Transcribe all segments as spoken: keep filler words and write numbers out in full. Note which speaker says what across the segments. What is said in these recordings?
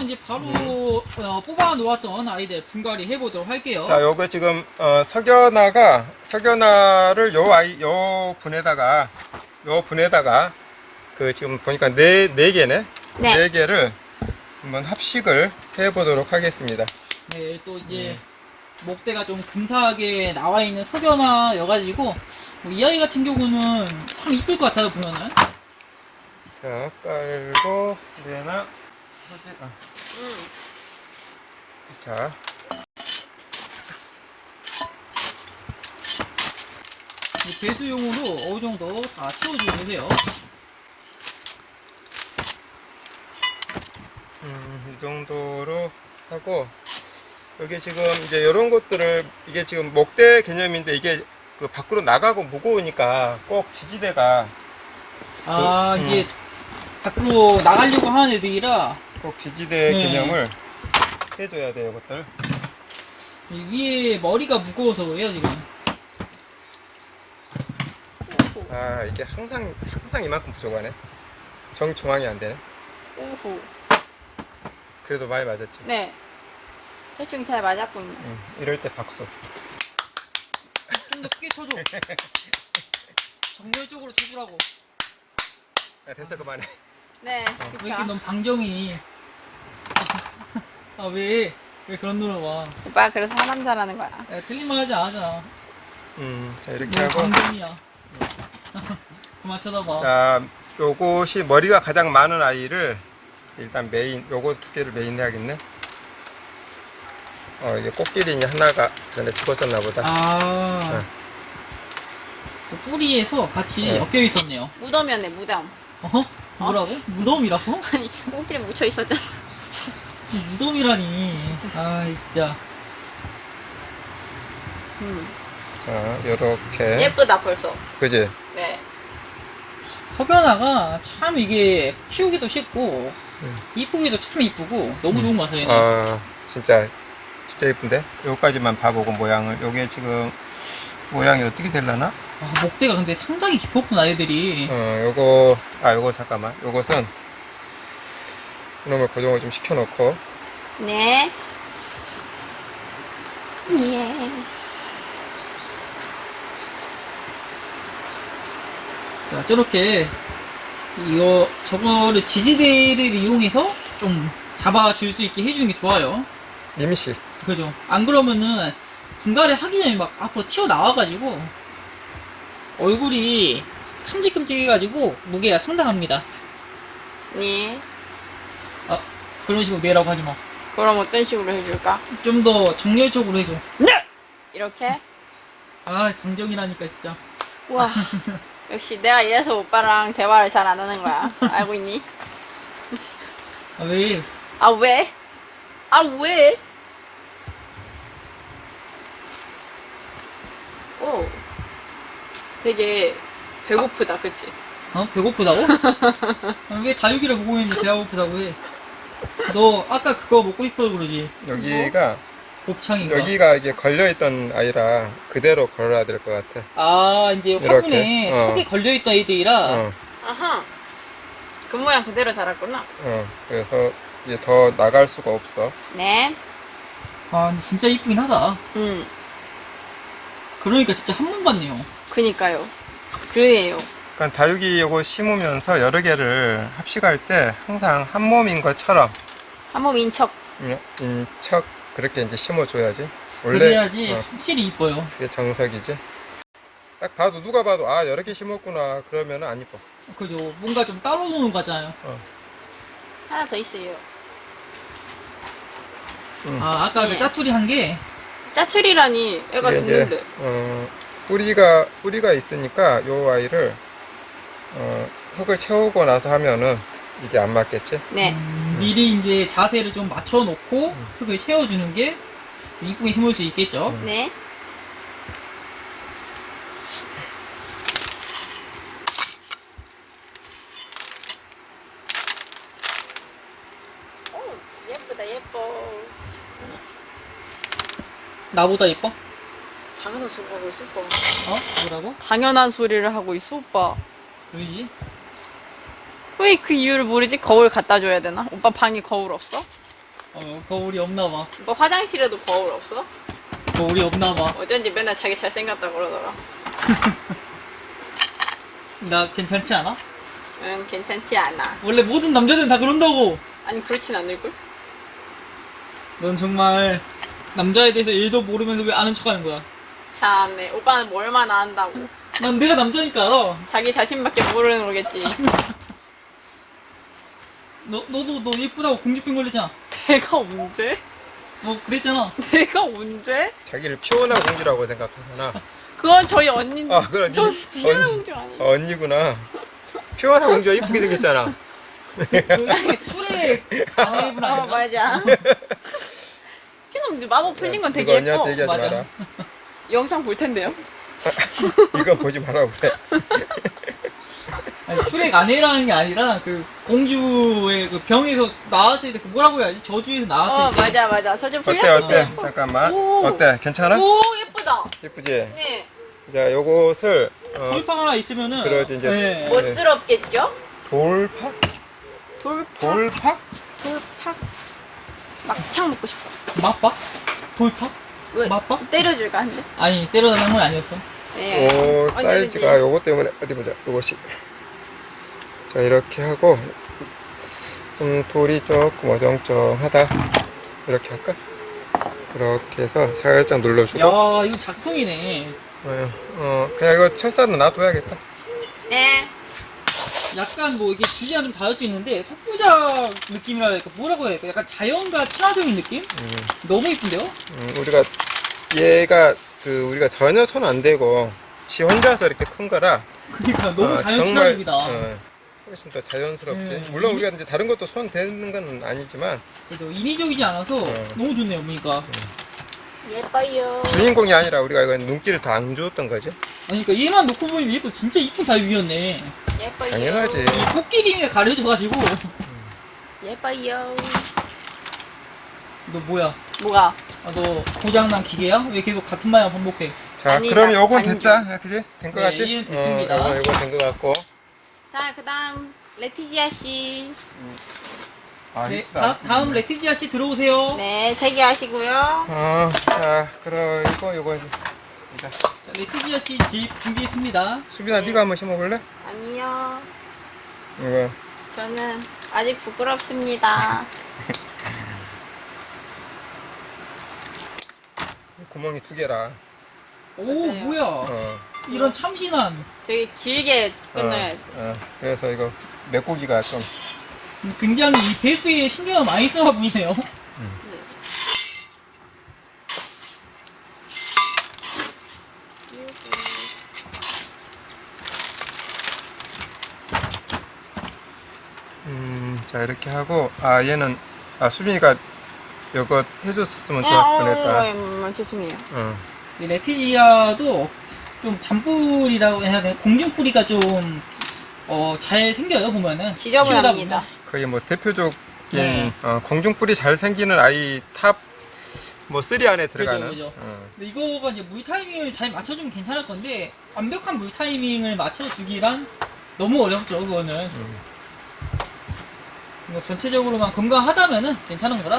Speaker 1: 이제 바로 어, 뽑아 놓았던 아이들 분갈이 해보도록 할게요.
Speaker 2: 자, 요거 지금 어, 석연화가 석연화를 요 아이 요 분에다가 요 분에다가 그 지금 보니까 네 네 개네.
Speaker 3: 네.
Speaker 2: 네 개를 한번 합식을 해 보도록 하겠습니다.
Speaker 1: 네, 또 이제
Speaker 2: 음.
Speaker 1: 목대가 좀 근사하게 나와 있는 석연화여가지고 뭐이 아이 같은 경우는 참 이쁠 것 같아요 보면은.
Speaker 2: 자, 깔고 얘나 아.
Speaker 3: 음.
Speaker 2: 자.
Speaker 1: 이 배수용으로 어느 정도 다 채워주면 되세요.
Speaker 2: 음, 이 정도로 하고 여기 지금 이제 이런 것들을 이게 지금 목대 개념인데 이게 그 밖으로 나가고 무거우니까 꼭 지지대가
Speaker 1: 아
Speaker 2: 그,
Speaker 1: 이제
Speaker 2: 음.
Speaker 1: 밖으로 나가려고 하는 애들이라
Speaker 2: 꼭 지지대
Speaker 1: 네.
Speaker 2: 개념을 해줘야 돼요, 이것들.
Speaker 1: 이 위에 머리가 무거워서 그래요 지금.
Speaker 2: 아, 이게 항상 항상 이만큼 부족하네. 정중앙이 안 되네.
Speaker 3: 오호.
Speaker 2: 그래도 많이 맞았지.
Speaker 3: 네. 대충 잘 맞았군요.
Speaker 2: 응, 이럴 때 박수.
Speaker 1: 좀 더 크게 쳐줘. 정렬적으로 쳐주라고.
Speaker 2: 야, 됐어, 그만해.
Speaker 3: 네.
Speaker 1: 왜
Speaker 3: 그쵸.
Speaker 1: 이렇게 넌 방정이. 아 왜? 왜 그런 노래 와?
Speaker 3: 오빠가 그래서 사남자라는 거야.
Speaker 1: 야, 틀린 말 하지 않았잖아.
Speaker 2: 음, 자 이렇게
Speaker 1: 너
Speaker 2: 하고.
Speaker 1: 방정이야. 그만 쳐다봐.
Speaker 2: 자, 요것이 머리가 가장 많은 아이를 일단 메인, 요거 두 개를 메인 해야겠네. 어, 이게 꽃기린이 하나가 전에 죽었었나 보다.
Speaker 1: 아.
Speaker 2: 네.
Speaker 1: 또 뿌리에서 같이
Speaker 2: 네.
Speaker 1: 엮여 있었네요.
Speaker 3: 무덤이었네, 무덤.
Speaker 1: 어허? 뭐라고? 무덤이라고?
Speaker 3: 아니, 꽁끼리 묻혀 있었잖아.
Speaker 1: 무덤이라니. 아, 진짜.
Speaker 3: 음.
Speaker 2: 자, 요렇게.
Speaker 3: 예쁘다, 벌써.
Speaker 2: 그지?
Speaker 3: 네.
Speaker 1: 석연아가 참 이게 키우기도 쉽고
Speaker 2: 음.
Speaker 1: 이쁘기도 참 이쁘고 너무 좋은 것 같아요. 얘는.
Speaker 2: 아, 진짜, 진짜 예쁜데? 요까지만 봐보고 모양을. 요게 지금 모양이 어떻게 되려나?
Speaker 1: 아, 목대가 근데 상당히 깊었구나 애들이.
Speaker 2: 어, 요거, 아, 요거 잠깐만. 요것은 이놈을 고정을 좀 시켜놓고.
Speaker 3: 네. 예.
Speaker 1: 자, 저렇게 이거 저거를 지지대를 이용해서 좀 잡아줄 수 있게 해주는 게 좋아요.
Speaker 2: 임시.
Speaker 1: 그죠? 안 그러면은 분갈이 하기 전에 막 앞으로 튀어나와가지고 얼굴이 큼직큼직해가지고 무게가 상당합니다.
Speaker 3: 네.
Speaker 1: 아, 그런 식으로 내라고 하지 마.
Speaker 3: 그럼 어떤 식으로 해줄까?
Speaker 1: 좀 더 정열적으로 해줘.
Speaker 3: 네! 이렇게?
Speaker 1: 아, 방정이라니까 진짜.
Speaker 3: 와. 역시 내가 이래서 오빠랑 대화를 잘 안 하는 거야. 알고 있니?
Speaker 1: 아, 왜?
Speaker 3: 아, 왜? 아, 왜? 오. 되게 배고프다, 그치?
Speaker 1: 어? 배고프다고? 아, 왜 다육이를 보고 있는데 배가 고프다고 해? 너 아까 그거 먹고 싶어서 그러지?
Speaker 2: 여기가,
Speaker 1: 곱창인가?
Speaker 2: 여기가 이게 걸려있던 아이라 그대로 걸어야 될 것 같아.
Speaker 1: 아, 이제
Speaker 2: 이렇게,
Speaker 1: 화분에
Speaker 2: 어.
Speaker 1: 턱에 걸려있던 애들이라
Speaker 2: 어,
Speaker 3: 아하. 그 모양 그대로 자랐구나.
Speaker 2: 어. 그래서 이제 더 나갈 수가 없어.
Speaker 3: 네.
Speaker 1: 아, 근데 진짜 이쁘긴 하다.
Speaker 3: 음.
Speaker 1: 그러니까 진짜 한 번 봤네요.
Speaker 3: 그니까요. 그래요.
Speaker 2: 그러니까 다육이 요거 심으면서 여러 개를 합식할 때 항상 한 몸인 것처럼
Speaker 3: 한몸 인척.
Speaker 2: 인- 인척 그렇게 이제 심어줘야지.
Speaker 1: 그래야지
Speaker 2: 어,
Speaker 1: 확실히 이뻐요.
Speaker 2: 그게 정석이지. 딱 봐도 누가 봐도 아 여러 개 심었구나 그러면 안 이뻐.
Speaker 1: 그죠? 뭔가 좀 따로 노는 거잖아요.
Speaker 2: 어.
Speaker 3: 하나 더 있어요.
Speaker 2: 음.
Speaker 1: 아, 아까
Speaker 3: 네.
Speaker 1: 그 짜투리 한 게,
Speaker 3: 짜출이라니 애가
Speaker 2: 이게
Speaker 3: 짖는데.
Speaker 2: 이제 어, 뿌리가 뿌리가 있으니까 요 아이를 어, 흙을 채우고 나서 하면은 이게 안 맞겠지.
Speaker 3: 네.
Speaker 1: 음, 미리 이제 자세를 좀 맞춰놓고 흙을 채워주는 게 좀 이쁘게 심을 수 있겠죠?
Speaker 2: 음.
Speaker 3: 네. 오, 예쁘다, 예뻐.
Speaker 1: 나보다 이뻐?
Speaker 3: 당연한 소리 하고 있어, 오빠.
Speaker 1: 어? 뭐라고?
Speaker 3: 당연한 소리를 하고 있어, 오빠.
Speaker 1: 왜지?
Speaker 3: 왜 그 이유를 모르지? 거울 갖다 줘야 되나? 오빠 방에 거울 없어?
Speaker 1: 어, 거울이 없나봐.
Speaker 3: 뭐 화장실에도 거울 없어?
Speaker 1: 거울이 없나봐.
Speaker 3: 어쩐지 맨날 자기 잘생겼다 그러더라.
Speaker 1: 나 괜찮지 않아?
Speaker 3: 응, 괜찮지 않아.
Speaker 1: 원래 모든 남자들은 다 그런다고.
Speaker 3: 아니, 그렇진 않을걸?
Speaker 1: 넌 정말 남자에 대해서 일도 모르면서 왜 아는 척하는 거야?
Speaker 3: 참네. 오빠는 뭐 얼마나 안다고.
Speaker 1: 난 내가 남자니까 알아.
Speaker 3: 자기 자신밖에 모르는 거겠지.
Speaker 1: 너 너도 너 예쁘다고 공주병 걸렸잖아.
Speaker 3: 내가 언제?
Speaker 1: 너 그랬잖아.
Speaker 3: 내가 언제?
Speaker 2: 자기를 피오나 공주라고 생각하잖아.
Speaker 3: 그건 저희 언니.
Speaker 2: 아, 그건
Speaker 3: 전
Speaker 2: 언니-
Speaker 3: 지혜라
Speaker 2: 언니-
Speaker 3: 공주 아니에요.
Speaker 2: 어, 언니구나. 피오나 공주가 이쁘게 생겼잖아.
Speaker 1: 그 술에 아내분
Speaker 3: 어,
Speaker 1: 아닌가?
Speaker 3: 맞아. 피노 이제 마법 풀린 건 되게
Speaker 2: 이거
Speaker 3: 예뻐.
Speaker 2: 언니한테 얘기하지
Speaker 1: 맞아.
Speaker 2: 마라.
Speaker 3: 영상 볼 텐데요.
Speaker 2: 이거 보지 말라고 그래.
Speaker 1: 아니, 슈렉 아내라는 게 아니라 그 공주의 그 병에서 나왔을 때 그 뭐라고 해야지? 저주에서 나왔을
Speaker 3: 어,
Speaker 1: 때.
Speaker 3: 맞아, 맞아. 서준
Speaker 2: 어때
Speaker 3: 풀렸을 때.
Speaker 2: 어때? 잠깐만.
Speaker 3: 오.
Speaker 2: 어때? 괜찮아?
Speaker 3: 오, 예쁘다.
Speaker 2: 예쁘지?
Speaker 3: 네.
Speaker 2: 자, 요것을 어,
Speaker 1: 돌팡 하나 있으면은.
Speaker 2: 그러지, 이제.
Speaker 1: 네.
Speaker 3: 멋스럽겠죠?
Speaker 2: 돌팍?
Speaker 3: 돌팍.
Speaker 2: 돌팍?
Speaker 3: 돌팍. 막창 먹고 싶어.
Speaker 1: 맞박? 돌팍?
Speaker 3: 왜?
Speaker 1: 맞박?
Speaker 3: 때려줄까 한데?
Speaker 1: 아니 때려달라는 건 아니었어.
Speaker 3: 네.
Speaker 2: 오,
Speaker 3: 언제든지.
Speaker 2: 사이즈가 요것 때문에 어디 보자. 요것이. 자, 이렇게 하고 좀 돌이 조금 어정쩡하다. 이렇게 할까? 그렇게 해서 살짝 눌러주고.
Speaker 1: 야 이거 작품이네.
Speaker 2: 어, 어, 그냥 이거 철사는 놔둬야겠다.
Speaker 3: 네.
Speaker 1: 약간 뭐 이게 주제가 좀 다르지 있는데 석부작 느낌이라 할까 뭐라고 해야 될까? 약간 자연과 친화적인 느낌?
Speaker 2: 음,
Speaker 1: 너무 이쁜데요?
Speaker 2: 음, 우리가 얘가 그 우리가 전혀 손 안 대고 지 혼자서 이렇게 큰 거라.
Speaker 1: 그러니까 너무
Speaker 2: 어,
Speaker 1: 자연
Speaker 2: 정말,
Speaker 1: 친화적이다.
Speaker 2: 어, 훨씬 더 자연스럽지.
Speaker 1: 네.
Speaker 2: 물론
Speaker 1: 이-
Speaker 2: 우리가 이제 다른 것도 손 대는 건 아니지만
Speaker 1: 그죠? 인위적이지 않아서
Speaker 2: 어.
Speaker 1: 너무 좋네요 보니까.
Speaker 3: 예뻐요.
Speaker 2: 주인공이 아니라 우리가 이거 눈길을 다 안 주었던 거지.
Speaker 1: 아니 그러니까 얘만 놓고 보면 얘도 진짜 이쁜 다육이었네.
Speaker 3: 예뻐요.
Speaker 2: 당연하지.
Speaker 1: 이 코끼리가 가려져가지고
Speaker 3: 예뻐요.
Speaker 1: 너 뭐야?
Speaker 3: 뭐가?
Speaker 1: 아, 너 고장난 기계야? 왜 계속 같은 말만 반복해?
Speaker 2: 자,
Speaker 3: 아니다,
Speaker 2: 그럼 요건
Speaker 3: 반죽.
Speaker 2: 됐자. 야, 그지? 된 거
Speaker 1: 네,
Speaker 2: 같지?
Speaker 1: 이해는 됐습니다.
Speaker 2: 어, 요거, 요거 된 거 같고.
Speaker 3: 자, 그 다음, 레티지아 씨.
Speaker 2: 아,
Speaker 1: 네,
Speaker 2: 이쁘다.
Speaker 1: 다, 다음 레티지아 씨 들어오세요.
Speaker 3: 네, 세 개 하시고요.
Speaker 2: 어, 자, 그리고 요거 이제. 자,
Speaker 1: 자, 레티지아 씨 집 준비했습니다.
Speaker 2: 수빈아, 네가 한번 심어볼래?
Speaker 3: 아니요.
Speaker 2: 이거.
Speaker 3: 저는 아직 부끄럽습니다.
Speaker 2: 구멍이 두 개라.
Speaker 1: 오
Speaker 3: 맞아요.
Speaker 1: 뭐야?
Speaker 2: 어.
Speaker 1: 이런 참신한.
Speaker 3: 되게 길게 끊어야 돼.
Speaker 2: 어, 어. 그래서 이거 메꾸기가 좀.
Speaker 1: 굉장히 이 배수에 신경을 많이 써가 보이네요.
Speaker 2: 음, 자, 이렇게 하고. 아, 얘는. 아, 수빈이가 이거 해줬으면
Speaker 3: 어,
Speaker 2: 좋았
Speaker 3: 어,
Speaker 2: 뻔했다.
Speaker 3: 어, 어, 죄송해요.
Speaker 2: 어.
Speaker 1: 이 레티지아도 좀 잔뿌리라고 해야 되나? 공중뿌리가 좀, 어, 잘 생겨요, 보면은.
Speaker 3: 지저분합니다.
Speaker 1: 키우다 보면.
Speaker 2: 거의 뭐 대표적인
Speaker 1: 네.
Speaker 2: 어, 공중뿔이 잘 생기는 아이 탑 뭐 쓰리 안에 들어가는.
Speaker 1: 그죠, 그죠.
Speaker 2: 어.
Speaker 1: 근데 이거가 이제 물 타이밍을 잘 맞춰주면 괜찮을 건데, 완벽한 물 타이밍을 맞춰주기란 너무 어렵죠, 그거는.
Speaker 2: 음.
Speaker 1: 뭐 전체적으로만 건강하다면은 괜찮은 거라.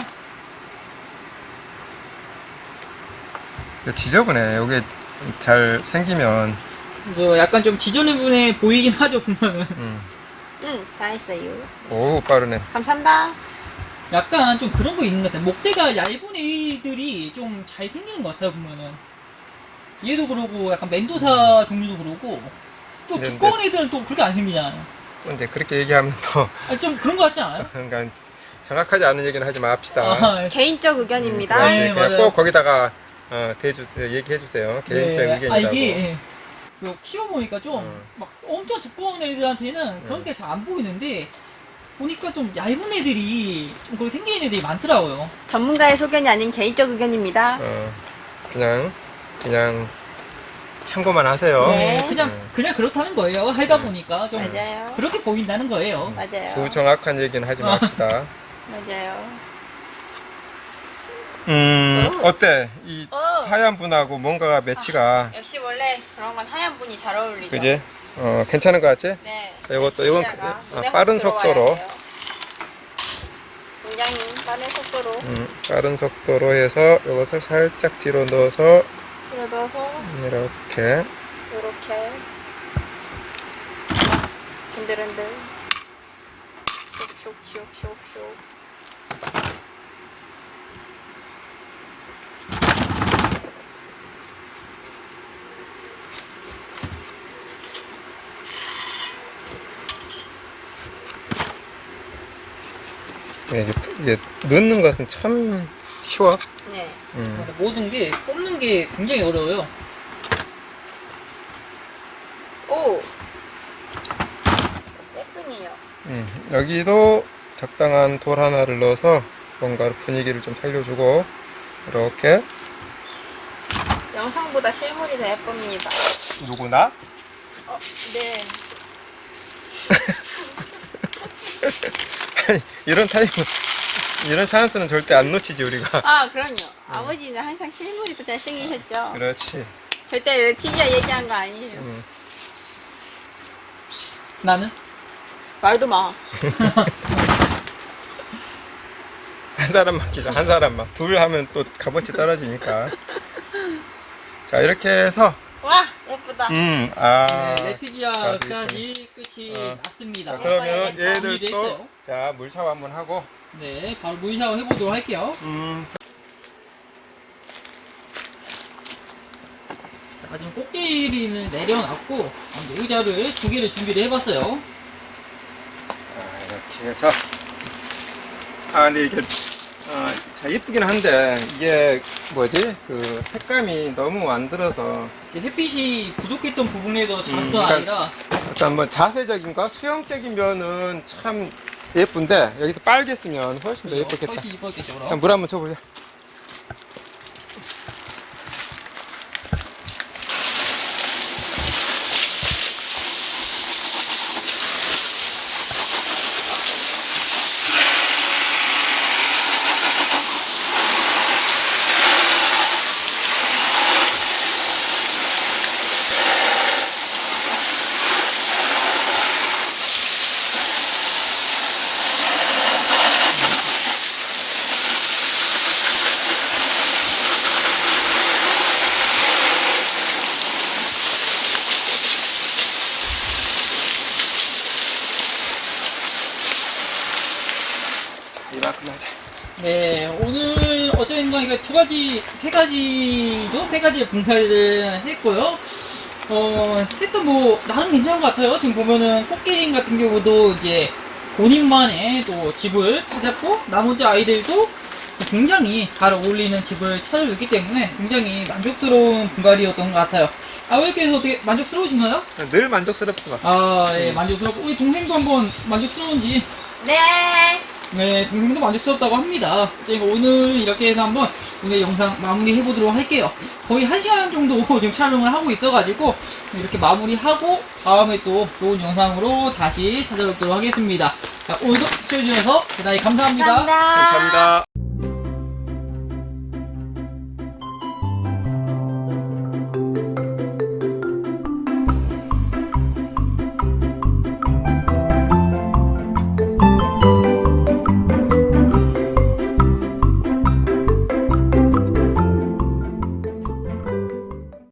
Speaker 2: 지저분해. 요게 잘 생기면.
Speaker 1: 이거 약간 좀 지저분해 보이긴 하죠, 보면은.
Speaker 2: 음.
Speaker 3: 응, 다 했어요.
Speaker 2: 오, 빠르네.
Speaker 3: 감사합니다.
Speaker 1: 약간 좀 그런 거 있는 것 같아요. 목대가 얇은 애들이 좀 잘 생기는 것 같아요, 보면은. 얘도 그러고, 약간 멘도사 종류도 그러고, 또
Speaker 2: 근데-
Speaker 1: 두꺼운 애들은 또 그렇게 안 생기잖아요.
Speaker 2: 또 이제 그렇게 얘기하면 또
Speaker 1: 아니, 좀 그런 것 같지 않아요?
Speaker 2: 그러니까 정확하지 않은 얘기는 하지 맙시다.
Speaker 1: 아,
Speaker 3: 개인적 의견입니다.
Speaker 2: 그렇지.
Speaker 1: 네,
Speaker 2: 그냥
Speaker 1: 맞아요.
Speaker 2: 꼭 거기다가 어, 대주 얘기해 주세요. 개인적
Speaker 1: 네.
Speaker 2: 의견이라고.
Speaker 1: 아, 이게, 예. 그 키워보니까 좀,
Speaker 2: 음.
Speaker 1: 막 엄청 두꺼운 애들한테는 그런 게 잘 안 보이는데, 보니까 좀 얇은 애들이, 좀 그렇게 생기는 애들이 많더라고요.
Speaker 3: 전문가의 소견이 아닌 개인적 의견입니다.
Speaker 2: 어, 그냥 그냥 참고만 하세요.
Speaker 3: 네.
Speaker 1: 그냥,
Speaker 2: 음.
Speaker 1: 그냥 그렇다는 거예요. 하다 보니까 좀,
Speaker 3: 맞아요.
Speaker 1: 그렇게 보인다는 거예요.
Speaker 3: 맞아요.
Speaker 2: 부정확한 얘기는 하지 맙시다.
Speaker 3: 맞아요.
Speaker 2: 음,
Speaker 3: 어.
Speaker 2: 어때? 이
Speaker 3: 어.
Speaker 2: 하얀 분하고 뭔가가 매치가,
Speaker 3: 역시 원래 그런 건 하얀 분이 잘 어울리죠.
Speaker 2: 그지? 어, 괜찮은 것 같지?
Speaker 3: 네.
Speaker 2: 이것도, 이건
Speaker 3: 진짜가
Speaker 2: 어,
Speaker 3: 눈에 확
Speaker 2: 빠른
Speaker 3: 들어와야
Speaker 2: 속도로.
Speaker 3: 돼요. 굉장히 빠른 속도로.
Speaker 2: 음, 빠른 속도로 해서 이것을 살짝 뒤로 넣어서
Speaker 3: 뒤로 넣어서
Speaker 2: 이렇게
Speaker 3: 이렇게 흔들흔들 쇽쇽쇽쇽.
Speaker 2: 네, 이게, 이게 넣는 것은 참 쉬워.
Speaker 3: 네.
Speaker 2: 음.
Speaker 1: 모든 게 뽑는 게 굉장히 어려워요.
Speaker 3: 오 예쁘네요.
Speaker 2: 음, 여기도 적당한 돌 하나를 넣어서 뭔가 분위기를 좀 살려주고 이렇게.
Speaker 3: 영상보다 실물이 더 예쁩니다.
Speaker 2: 누구나?
Speaker 3: 어, 네.
Speaker 2: 아니, 이런 타임 이런 찬스는 절대 안 놓치지 우리가.
Speaker 3: 아, 그럼요. 아버지는 항상 실물이 더 잘생기셨죠.
Speaker 2: 그렇지.
Speaker 3: 절대 티저 얘기한 거 아니에요.
Speaker 2: 음.
Speaker 1: 나는?
Speaker 3: 말도 마.
Speaker 2: 한 사람만 기자, 한 사람만. 둘 하면 또 값어치 떨어지니까. 자, 이렇게 해서
Speaker 3: 와, 예쁘다.
Speaker 2: 음, 아.
Speaker 1: 네, 레티지아까지 끝이
Speaker 2: 어.
Speaker 1: 났습니다.
Speaker 2: 자, 그러면
Speaker 3: 예뻐요.
Speaker 1: 정리를
Speaker 2: 얘들도
Speaker 1: 했어요.
Speaker 2: 자, 물 샤워 한번 하고.
Speaker 1: 네, 바로 물 샤워 해보도록 할게요.
Speaker 2: 음.
Speaker 1: 자, 지금 꽃게리는 내려놨고 이제 의자를 두 개를 준비를 해봤어요.
Speaker 2: 아, 이렇게 해서. 아, 근데 이게 아, 자, 예쁘긴 한데 이게 뭐지? 그 색감이 너무 안 들어서
Speaker 1: 이제 햇빛이 부족했던 부분에서 자랐던
Speaker 2: 음, 그러니까-
Speaker 1: 아이라
Speaker 2: 약간 뭐 자세적인 거, 수영적인 면은 참 예쁜데 여기서 빨개 쓰면 훨씬 더 예쁘겠다.
Speaker 1: 훨씬 이뻤겠죠.
Speaker 2: 자,
Speaker 1: 그럼.
Speaker 2: 물 한번 쳐보자. 이만큼 하자.
Speaker 1: 네, 오늘 어쨌든 이거 두 가지, 세 가지죠? 세 가지의 분할을 했고요. 어, 셋도 뭐, 나름 괜찮은 것 같아요. 지금 보면은, 꽃게링 같은 경우도 이제, 본인만의 또 집을 찾았고, 나머지 아이들도 굉장히 잘 어울리는 집을 찾아줬기 때문에 굉장히 만족스러운 분갈이였던 것 같아요. 아버지께서 어떻게 만족스러우신가요?
Speaker 2: 늘 만족스럽지만.
Speaker 1: 아, 예, 만족스럽고, 우리 동생도 한번 만족스러운지.
Speaker 3: 네.
Speaker 1: 네, 동생도 만족스럽다고 합니다. 제가 오늘 이렇게 해서 한번 오늘 영상 마무리 해보도록 할게요. 거의 한 시간 정도 지금 촬영을 하고 있어가지고 이렇게 마무리하고 다음에 또 좋은 영상으로 다시 찾아뵙도록 하겠습니다. 자, 오늘도 시청해주셔서 대단히 감사합니다.
Speaker 3: 감사합니다.
Speaker 2: 감사합니다.